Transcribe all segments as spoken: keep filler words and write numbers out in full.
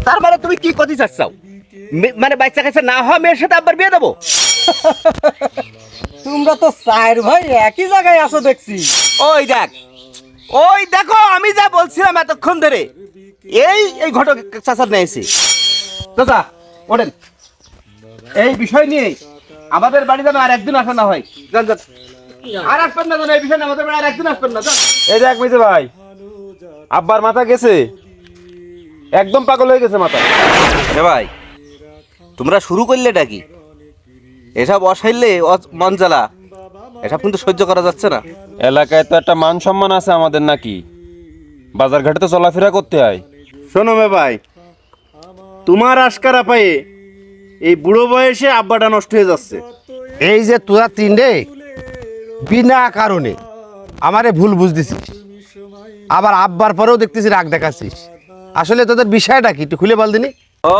তার মানে তুমি কি করতে চাচ্ছাও? মানে বাচ্চা কাছে না হওয়া মেয়ের সাথে আবার বিয়ে দেবো? তোমরা তো চার ভাই একই জায়গায় আছো দেখছি। ওই দেখ, ওই দেখো আমি যা বলছিলাম এতক্ষণ ধরে, এই এই ঘটক চাচার নিয়েছি। চাচা ওঠেন, এই বিষয় নিয়ে আমাদের বাড়ি যেন আর একদিন আসা না হয়। যান যান, আর আসবেন না যেন এই বিষয় নিয়ে আমাদের বাড়ি আর একদিন আসবেন না। যান। এই দেখ মিজে ভাই, আব্বার মাথা গেছে, একদম পাগল হয়ে গেছে মাথা। এ ভাই, তোমরা শুরু করলে ডাকি এসব অসাইলে মন জ্বালা, এসব কিন্তু সহ্য করা যাচ্ছে না। এলাকায় তো একটা মান সম্মান আছে আমাদের নাকি, বাজার ঘাটে তো চলাফেরা করতে হয়। শোনো মে ভাই, তোমার আশকারা পায়ে এই বুড়ো বয়সে আব্বাটা নষ্ট হয়ে যাচ্ছে। এই যে তোরা তিনটে বিনা কারণে আমারে ভুল বুঝতেছিস, আবার আব্বার পরেও দেখতেছি রাগ দেখাচ্ছিস। আসলে তোদের বিষয়টা কি একটু খুলে বল দিনি। ও,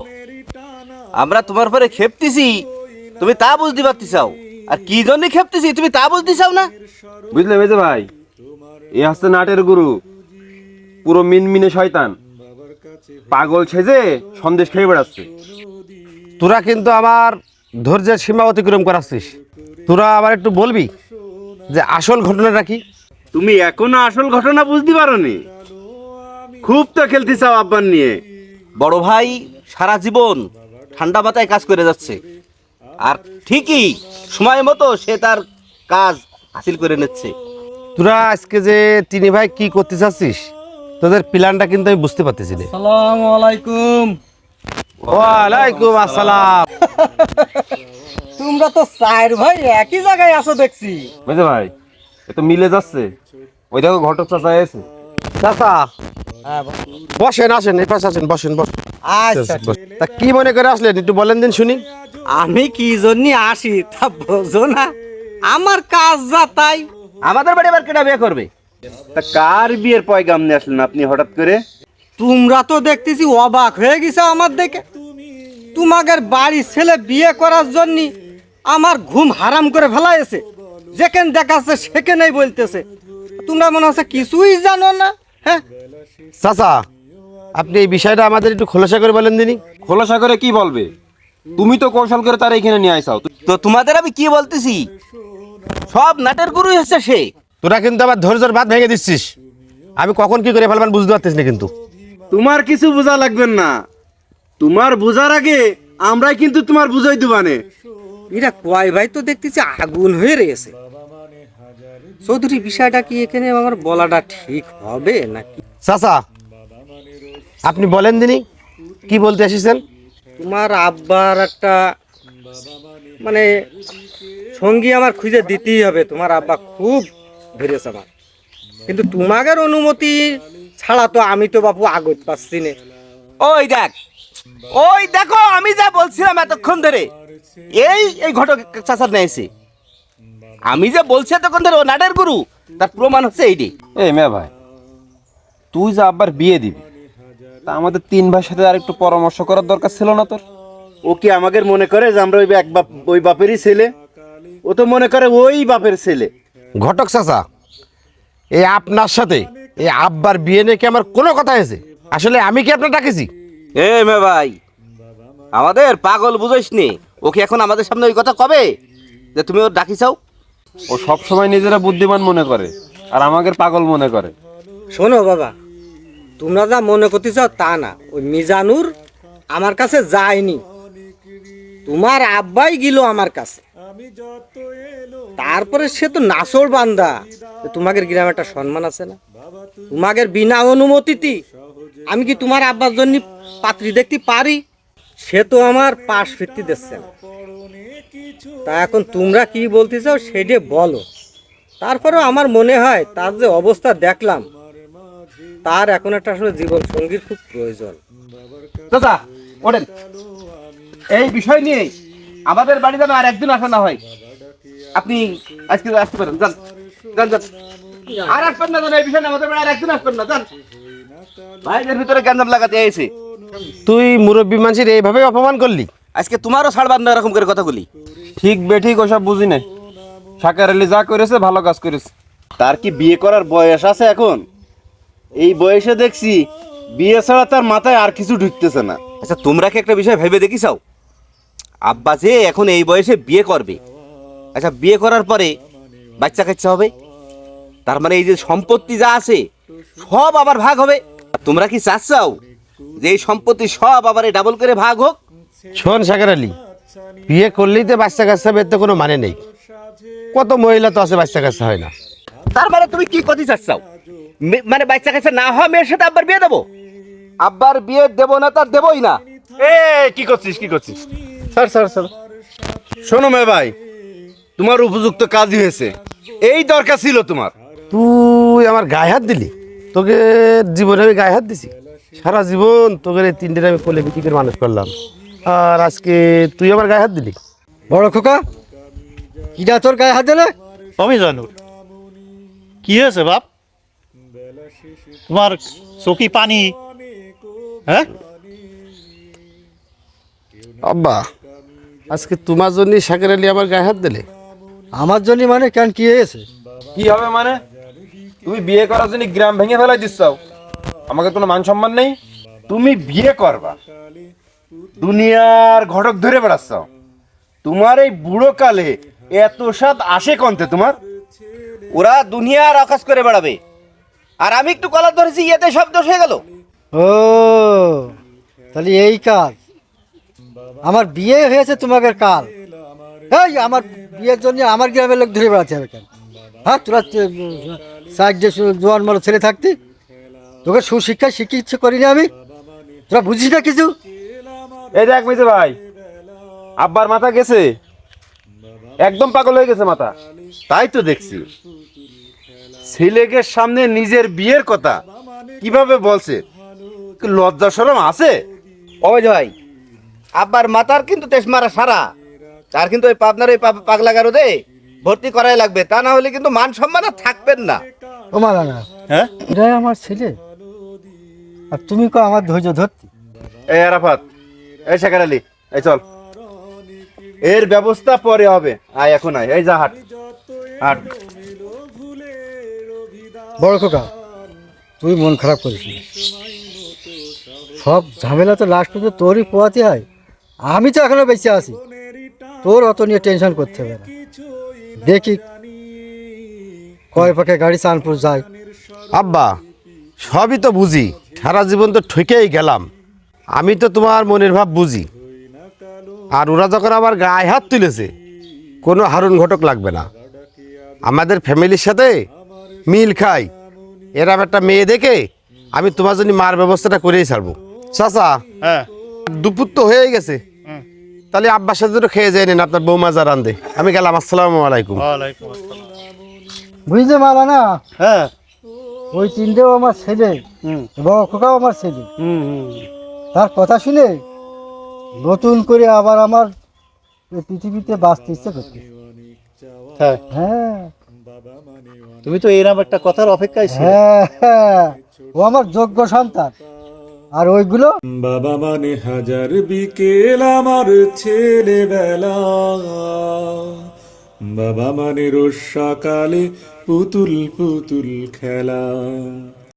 আমরা তোমার পরে খেপতেছি, তুমি তা বুঝতে পারতে চাও, আর কি জন্য খেপতেছি তুমি তা বুঝতে চাও না? বুঝলে মিজে ভাই, এ হচ্ছে নাটের গুরু, পুরো মিনমিনে শয়তান, পাগল সেজে সন্দেশ খেয়ে বেড়াচ্ছে। তোরা কিন্তু আমার ধৈর্যের সীমা অতিক্রম করাচ্ছিস। তোরা আবার একটু বলবি যে আসল ঘটনাটা কি? তুমি এখনো আসল ঘটনা বুঝতে পারোনি? খুব তো খেলতে চাও আব্বার নিয়ে। বড় ভাই সারা জীবন ঠান্ডা মাথায় কাজ করে যাচ্ছে, আর ঠিকই সময় মতো সে তার কাজ হাসিল করে নিচ্ছে। তোরা আজকে যে তিনি ভাই কি করতে চাচ্ছিস, তোদের প্ল্যানটা কিন্তু আমি বুঝতে পারতেছি না। আসসালামু আলাইকুম। ওয়ালাইকুম আসসালাম। তোমরা তো চার ভাই একই জায়গায় আছো দেখছি। মিজে ভাই, এ তো মিলে যাচ্ছে। ওই দেখো ঘটক চাচা এসে। চাচা হ্যাঁ বসেন, আসেন এই পাশে আসেন, বসেন বসেন। আচ্ছা, তা কি মনে করে আসলেন একটু বলেন দিন শুনি। আমি কি জন্য আসি তা বোঝো না? আমার কাজ যা তাই। আমাদের বাড়ি আবার কেটা বিয়ে করবে? তা কার বিয়ের পয়গাম নিয়ে আসলেন আপনি হঠাৎ করে? তোমরা তো দেখতেছি অবাক হয়ে গেছো আমার দেখে। তোমাদের বাড়ির ছেলে বিয়ে করার জন্য আমার ঘুম হারাম করে ফেলাইছে। যেখানে দেখাচ্ছে সেখানেই বলতেছে। তোমরা মনে হচ্ছে কিছুই জানো না। হ্যাঁ চাচা, আপনি এই বিষয়টা আমাদের একটু খোলাসা করে বলেন দিনি। খোলাসা করে কি বলবে? তুমি তো কৌশল করে তারা এখানে নিয়ে আইসাও। তো তোমাদের আমি কি বলতেছি, সব নাটের গুরুই হচ্ছে সে। তোরা কিন্তু আবার ধৈর্যের বাদ ভেঙে দিচ্ছিস। আমি কখন কি করে ফেলবেন বুঝতে পারতেছি না কিন্তু। তোমার কিছু বোঝা লাগবেন না, তোমার বোঝার আগে আমরাই কিন্তু তোমার বুঝাই দিবানে। এরা কয় ভাই তো দেখতেছি আগুন হয়ে রয়েছে। চৌধুরী, বিষয়টা কি এখানে আমার বলাটা ঠিক হবে নাকি? চাচা আপনি বলেন দিনি কি বলতে এসেছেন। তোমার আব্বার একটা মানে সঙ্গী আমার খুঁজে দিতেই হবে। তোমার আব্বা খুব ভেরেছে আমার, কিন্তু তোমাদের অনুমতি ছাড়া তো আমি তো বাপু আগত পাচ্ছি না। ওই দেখ, ওই দেখো আমি যা বলছিলাম এতক্ষণ ধরে, এই এই ঘটক চাচার নিয়েছি। আমি যে বলছি এতক্ষণ ধরে ও নাটের গুরু, তার প্রমাণ হচ্ছে এইটি। এই মেয়ে ভাই, তুই যে আব্বার বিয়ে দিবি, তা আমাদের তিন ভাইয়ের সাথে আর একটু পরামর্শ করার দরকার ছিল না তোর? ও কি আমাদের মনে করে যে আমরা ওই এক বাপ ওই বাপেরই ছেলে? ও তো মনে করে ওই বাপের ছেলে। ঘটক চাচা, এই আপনার সাথে এই আব্বার বিয়ে নিয়ে কি আমার কোনো কথা হয়েছে? আসলে আমি কি আপনার ডাকেছি? এ মে ভাই, আমাদের পাগল বুঝাইস নি। ওকে এখন আমাদের সামনে ওই কথা কবে যে তুমি ওর ডাকি চাও? ও সব সময় নিজেরা বুদ্ধিমান মনে করে আর আমাদের পাগল মনে করে। শোনো বাবা, তোমরা যা মনে করতে চাও তা না। ওই মিজানুর আমার কাছে যায়নি, তোমার আব্বাই গেল আমার কাছে। তারপরে সে তো নাসর বান্দা। তোমাদের গ্রামে একটা সম্মান আছে না? তোমাদের বিনা অনুমতিতে আমি কি তোমার আব্বার জন্য পাত্রী দেখতে পারি? সে তো আমার পাশ ফিরতে দিচ্ছে না। তা এখন তোমরা কি বলতে চাও সেটা বলো। তারপরেও আমার মনে হয় তার যে অবস্থা দেখলাম, তার এখন একটা আসলে জীবন সঙ্গীর খুব প্রয়োজন। চাচা ওঠেন, এই বিষয় নিয়ে আমাদের বাড়ি যেন আর একদিন আসা না হয়। আপনি আজকে আসতে পারেন, যান যান যান। আর আসবেন না যেন এই বিষয় নিয়ে আমাদের বাড়ি আর একদিন আসবেন না, যান। ভাইদের ভিতরে গ্যাঞ্জাম লাগাতে এসে তুই মুরব্বী মানুষের এইভাবে অপমান করলি? আজকে তোমারও ছাড়বার না এরকম করে কথা বলি। ঠিক বেঠিক ওসব বুঝি নাই। শাকার আলী যা করেছে ভালো কাজ করেছে। তার কি বিয়ে করার বয়স আছে এখন? এই বয়সে দেখছি বিয়ে ছাড়া তার মাথায় আর কিছু ঢুকতেছে না। আচ্ছা তোমরা কি একটা বিষয় ভেবে দেখিসাও, আব্বা যে এখন এই বয়সে বিয়ে করবে, আচ্ছা বিয়ে করার পরে বাচ্চা কাচ্চা হবে, তার মানে এই যে সম্পত্তি যা আছে সব আবার ভাগ হবে। আর তোমরা কি চাচ্ছাও যে এই সম্পত্তি সব আবার ডাবল করে ভাগ হোক? শোন সাগর আলী, বিয়ে করলেই তো বাচ্চা কাচ্চা বের কোনো মানে নেই। কত মহিলা তো আছে বাচ্চা কাচ্চা হয় না। তার মানে তুমি কি করতে চাচ্ছাও, মে- মানে বাচ্চা কাচ্চা না হওয়া মেয়ের সাথে আব্বার বিয়ে দেবো? আব্বার বিয়ে দেবো না, তার দেবই না। এ কি করছিস কি করছিস স্যার স্যার স্যার শোনো মে ভাই, তোমার উপযুক্ত কাজই হয়েছে, এই দরকার ছিল তোমার। তুই আমার গায়ে হাত দিলি? তোকে জীবনে আমি গায়ে হাত দিছি? সারা জীবন তোকে এই তিনটে আমি কোলে বিক্রি করে মানুষ করলাম, আর আজকে তুই আমার গায়ে হাত দিলি? বড় খোকা, কিটা তোর গায়ে হাত দিলে? আমি জানুর কি হয়েছে বাপ? তোমার চোখি পানি? হ্যাঁ আব্বা, আজকে তোমার জন্য সাগর আলী আমার গায়ে হাত দিলে? আমার জন্য মানে কেন, কি হয়েছে? কি হবে মানে? তুমি বিয়ে করার জন্য গ্রাম ভেঙে ফেলাই দিচ্ছাও, আমাকে কোনো মান সম্মান নেই? তুমি বিয়ে করবা, দুনিয়ার ঘটক ধরে বেড়াচ্ছ, তোমার এই বুড়ো কালে এত স্বাদ আসে কন্তে তোমার? ওরা দুনিয়ার আকাশ করে বেড়াবে, আর আমি একটু কলার ধরেছি, ইয়েতে সব দোষ হয়ে গেল। ও তাহলে এই কাজ, আমার বিয়ে হয়েছে তোমাকে কাল, এই আমার বিয়ের জন্য আমার গ্রামের লোক ধরে বেড়াতে হবে কেন? হ্যাঁ তোরা সাইড যে জোয়ান মালো ছেলে থাকতি, তোকে সুশিক্ষা শিক্ষিত করিনি আমি, তোরা বুঝিস না কিছু? এই দেখ মিজে ভাই, আব্বার মাথা গেছে, একদম পাগল হয়ে গেছে মাথা। তাই তো দেখছি, ছেলেকে সামনে নিজের বিয়ের কথা কিভাবে বলছে, কি লজ্জা শরম আছে? ওই ভাই, আব্বার মাতার কিন্তু তেজ মারা সারা, আর কিন্তু ওই পাবনার ওই পা- পাগলা গারদে ভর্তি করাই লাগবে, তা না হলে কিন্তু মান সম্মান আর থাকবেন না। ও মারা না, হ্যাঁ এটাই আমার ছেলে, আর তুমি কো আমার ধৈর্য ধরতি? এই আরাফাত, এই শেখার আলী, এই চল, এর ব্যবস্থা পরে হবে, আয় এখন আয়, এই যা হাট হাট। বড় খোকা, তুই মন খারাপ করিস না, সব ঝামেলা তো লাস্ট পর্যন্ত তোরই পোয়াতে হয়, আমি তো এখনো বেঁচে আছি, তোর অত নিয়ে টেনশন করতে হবে না। দেখি কয় পাখে গাড়ি চাঁদপুর যায়। আব্বা, সবই তো বুঝি, সারা জীবন তো ঠকেই গেলাম, আমি তো তোমার মনের ভাব বুঝি। আর ওরা যখন আমার গায়ে হাত তুলেছে, কোনো হারুন ঘটক লাগবে না, আমাদের ফ্যামিলির সাথে মিল খাই, এরম একটা মেয়ে দেখে আমি তোমার জন্য মার ব্যবস্থাটা করেই ছাড়বো। চাচা, হ্যাঁ দুপুর তো হয়ে গেছে, তাহলে আব্বার সাথে তো খেয়ে যায় নেন, আপনার বৌমা যা রান্ধে। আমি গেলাম, আসসালামু আলাইকুম। ওয়ালাইকুম আসসালাম। বুঝতে মালা না, হ্যাঁ ওই তিনটেও আমার ছেলে, বড় খোকাও আমার ছেলে, তার কথা শুনে নতুন করে আবার আমার এই পৃথিবীতে বাঁচতে ইচ্ছে করতে। হ্যাঁ হ্যাঁ তুমি তো এরকম একটা কথার অপেক্ষায় ছিলে। হ্যাঁ হ্যাঁ, ও আমার যোগ্য সন্তান, আর ওইগুলো বাবা মানে হাজার বিকেল আমার ছেলেবেলা, বাবা মানে রোজ সকালে পুতুল পুতুল খেলা।